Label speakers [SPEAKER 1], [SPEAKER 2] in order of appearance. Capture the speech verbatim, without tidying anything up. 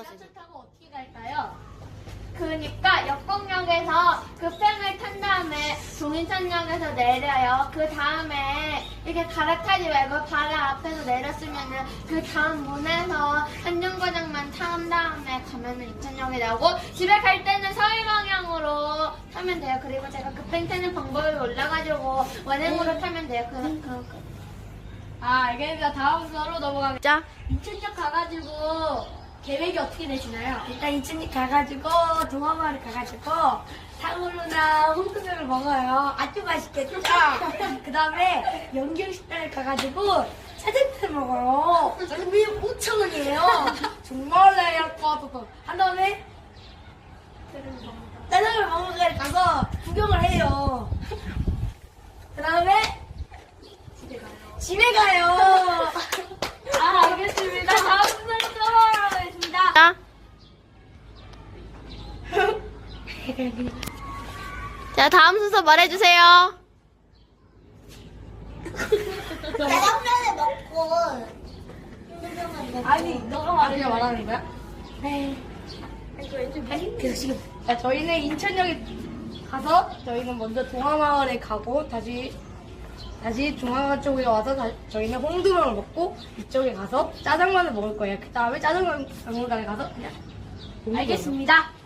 [SPEAKER 1] 지하철 타고 어떻게 갈까요? 그러니까 역곡역에서 급행을 탄 다음에 동인천역에서 내려요. 그 다음에 이렇게 갈아타지 말고 바로 앞에서 내렸으면은 그 다음 문에서 한정거장만 탄 다음에 가면은 인천역에 나오고 집에 갈 때는 서울 방향으로 타면 돼요. 그리고 제가 급행 타는 방법을 몰라가지고 원행으로 타면 돼요. 그, 그, 그. 아, 알겠습니다. 다음 순서로 넘어가겠죠? 인천역 가가지고 계획이 어떻게 되시나요?
[SPEAKER 2] 일단 인천역 가가지고 동화마을 가가지고 탕후루나 홍두깨를 먹어요. 아주 맛있겠죠? 그 다음에 연경식당을 가가지고 짜장면을 먹어요. 짜장면이 오천 원이에요. 정말 내역과도 한 다음에 짜장면 먹으러 가서 구경을 해요. 그 다음에 집에 가요.
[SPEAKER 1] 아, 알겠습니다. 다음 순서로 넘어가겠습니다. 자, 다음 순서 말해주세요.
[SPEAKER 3] 짜장면을 먹고
[SPEAKER 2] 아니, 너가 말하냐 말하는 거야?
[SPEAKER 3] 네.
[SPEAKER 2] 아니, 그래서 지금. 자, 저희는 인천역에 가서 저희는 먼저 동화마을에 가고 다시 다시 중앙 쪽에 와서 다, 저희는 홍두렁을 먹고 이쪽에 가서 짜장면을 먹을 거예요. 그 다음에 짜장면 박물관에 가서 그냥
[SPEAKER 1] 알겠습니다.